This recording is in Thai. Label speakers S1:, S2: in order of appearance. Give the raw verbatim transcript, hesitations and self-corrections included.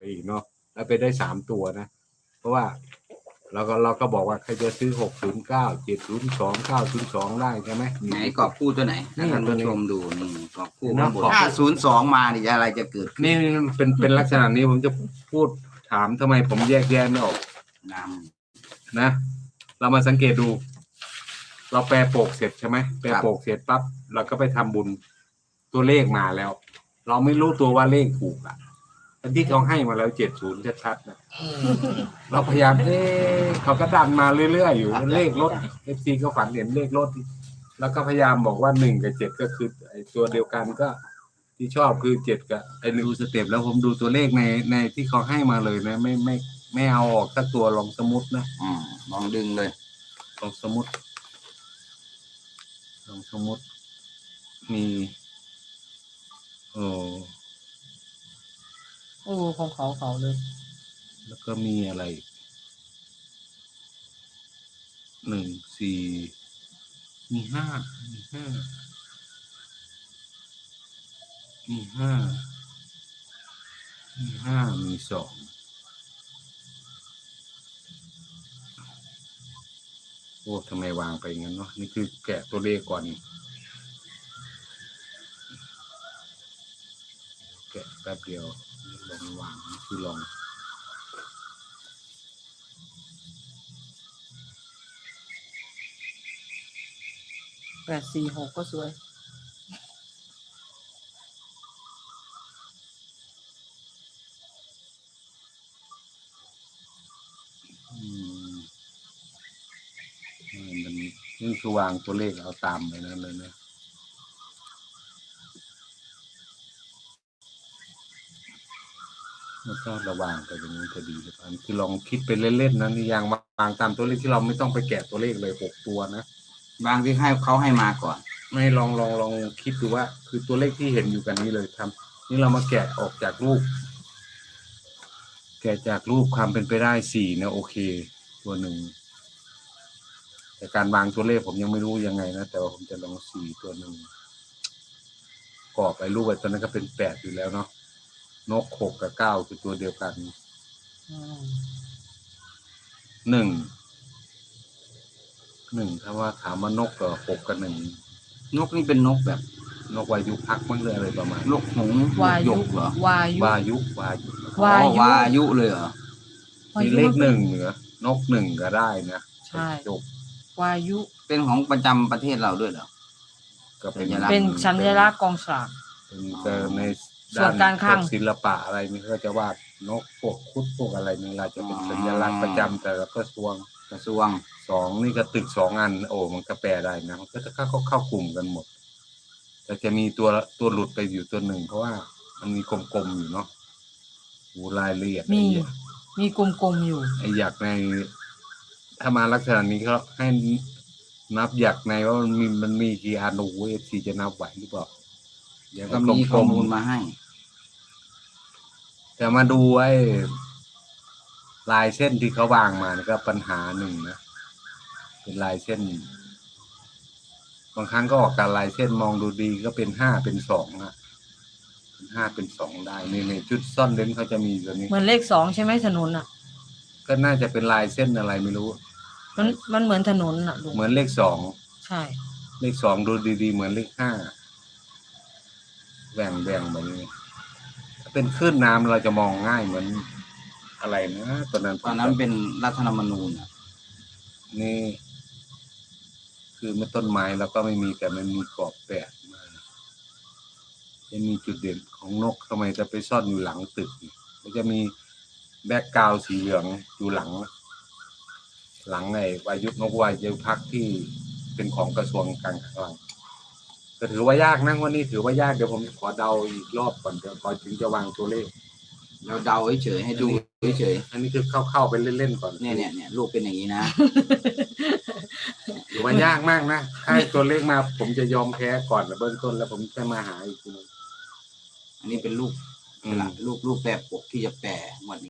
S1: อีกเนาะแล้วไปได้สามตัวนะเพราะว่าเราก็เราก็บอกว่าใครจะซื้อหกศูนย์เก้าเจ็ดศูนย์สองเก้าศูนย์สองได้ใช่ไหม
S2: ไหนกรอบคู่ตัวไหน
S1: นี่
S2: ท่าน
S1: ตัว
S2: ผู้
S1: นี้
S2: ชมดูนี่กรอบคู่
S1: เนาะกรอบ
S2: ถ้าศูนย์สองมานี่อะไรจะเกิดขึ้น
S1: นี่เป็นเป็นลักษณะนี้ผมจะพูดถามทำไมผมแยกแยะไม่ออก
S2: น
S1: นะเรามาสังเกตดู เราแปลโปกเสร็จใช่ไหมแปลโปกเสร็จปั๊บเราก็ไปทำบุญตัวเลขมาแล้ว เราไม่รู้ตัวว่าเลขถูกอ่ะอันที่เขาให้มาแล้วเจ็ดศูนย์ชัดๆนะเราพยายามเอ๊ะเขาก็ดันมาเรื่อยๆอยู่เลขรถเอฟซีก็ฝันเห็นเลขรถแล้วก็พยายามบอกว่าหนึ่งกับเจ็ดก็คือไอ้ตัวเดียวกันก็ ที่ชอบคือเจ็ดกับไอ้ดูสเต็ปแล้วผมดูตัวเลขในในที่เขาให้มาเลยนะไม่ไม่ไม่เอาออกสักตัวลองสมุดนะ
S2: ำอืมลองดึงเลย
S1: ลองสมุดลองสมุดมีโอ้
S3: โอ้ของเขาเขาเลย
S1: แล้วก็มีอะไรหนึ่งสี่มีห้ามีห้ามีห้ามีห้ามีสองโอ้ทำไมวางไปงั้นเนาะนี่คือแกะตัวเลขก่อนแกะแป๊บเดียวลองวางนี่คือลอง
S3: แปดสี่หกก็สวย
S1: อืมมันนี่คือวางตัวเลขเอาตามไปนั่นเลยนะแล้วก็ระวางไปตรงนี้จะดีหรือเปล่าคือลองคิดไปเล่นๆนะนี่ยังวางตามตัวเลขที่เราไม่ต้องไปแกะตัวเลขเลยหกตัวนะ
S2: บางที่ให้เขาให้มาก่อน
S1: ไม่ลองลองลองคิดดูว่า คือตัวเลขที่เห็นอยู่กันนี้เลยทำนี่เรามาแกะออกจากรูป แกะจากรูปความเป็นไปได้สี่นะโอเค ตัวหนึ่งแต่การวางตัวเลขผมยังไม่รู้ยังไงนะแต่ว่าผมจะลองสี่ตัวหนึ่งกรอบไอ้รูปไอ้ตัวนั้นก็เป็นแปดอยู่แล้วเนาะนกหกกับเก้าคือตัวเดียวกัน
S3: อืม
S1: หนึ่งหนึ่งถ้าว่าถามว่านกกับหกกับหนึ่ง
S2: นกนี่เป็นนกแบบ
S1: นกวายุพักมั้งเลยอะไรประมาณ
S2: นกหงส์
S3: วา
S2: หย
S3: ยุ
S2: กเหรอ
S3: วายุ
S1: วายุวายุ
S3: วายุ
S2: อ๋อวายุเลยเหรอ
S1: มีเลขหนึ่งเหนือนกหนึ่งก็ได้นะ
S3: ใช่
S1: จบ
S3: วายุ
S2: เป็นของประจำประเทศเราด้วยเหรอ
S1: ก็เป็น
S2: สัญลักษณ์
S3: เป็นสัญลักษณ์กองสลาก
S1: เป็นแต่ใน
S3: ส่วนการคลัง
S1: พวศิลปะอะไรนี่ก็จะวาดนกพวกคุดพวกอะไรนี่เราจะเป็นสัญลักษณ์ประจำแต่ละกระทรวง
S2: กระทรวง
S1: สองนี่ก็ตึกสองอันโอ้มันก็แปลได้นะมันก็จะเข้าเข้ากลุ่มกันหมด แต่จะมีตัวตัวหลุดไปอยู่ตัวหนึ่งเพราะว่ามันมีกลมๆอยู่เนาะหูรายละเอียด
S3: มี
S1: ไอ้เหี้ย
S3: มีกลมๆอยู่
S1: ไอ้หยักในถ้ามาลักษณะนี้เขาให้นับหยักในว่ามันมีมันมีกี่อันโอ้โหเอฟซีจะนับไหวหรือเปล่า
S2: เดี๋ยวก็มีข้อมูลมาให้
S1: แต่มาดูไอ้ลายเส้นที่เขาวางมานี่ก็ปัญหาหนึ่งนะเป็นลายเส้น บางครั้งก็ออกการลายเส้นมองดูดีก็เป็นห้าเป็นสองอะเป็นห้าเป็นสองได้ในในชุดซ่อนเล้นเขาจะมีตัวนี้
S3: เหมือนเลขสองใช่ไหมถนนอ่ะ
S1: ก็น่าจะเป็นลายเส้นอะไรไม่รู้
S3: มันมันเหมือนถนนอ่ะลุง
S1: เหมือนเลขสอง
S3: ใช่
S1: เลขสองดูดีๆเหมือนเลขห้าแบ่งแบ่งแบบนี้ถ้าเป็นคลื่นน้ำเราจะมองง่ายเหมือนอะไรนะตอนนั้น
S2: ตอนนั้นเป็นรัฐธรรมนูญอะ
S1: นี่ คือไม่ต้นไม้แล้วก็ไม่มีแต่มันมีกรอบแปดมาจะมีจุดเด่นของนกทำไมจะไปซ่อนอยู่หลังตึกมันจะมีแบ็กกราวด์สีเหลืองอยู่หลัง หลังไอ้วายุนกวายุพักที่เป็นของกระทรวงการคลังก็ถือว่ายากนะวันนี้ถือว่ายากเดี๋ยวผมขอเดาอีกรอบก่อนเดี๋ยวก่อนถึงจะวางตัวเลข
S2: เราเดาเฉยๆให้ดูเฉย
S1: อันนี้คือเข้าๆไปเล่นๆก่อน
S2: ๆเนี่ยเนี่ยเนี่ยลูกเป็นอย่างนี้นะ
S1: ถือว่ายากมากนะถ้าให้ตัวเลขมาผมจะยอมแพ้ก่อนแล้วเบื้องต้นแล้วผมจะมาหาอีกที
S2: อันนี้เป็นลูก
S1: อืม
S2: ลูกลูกแปรปกที่จะแปรหมด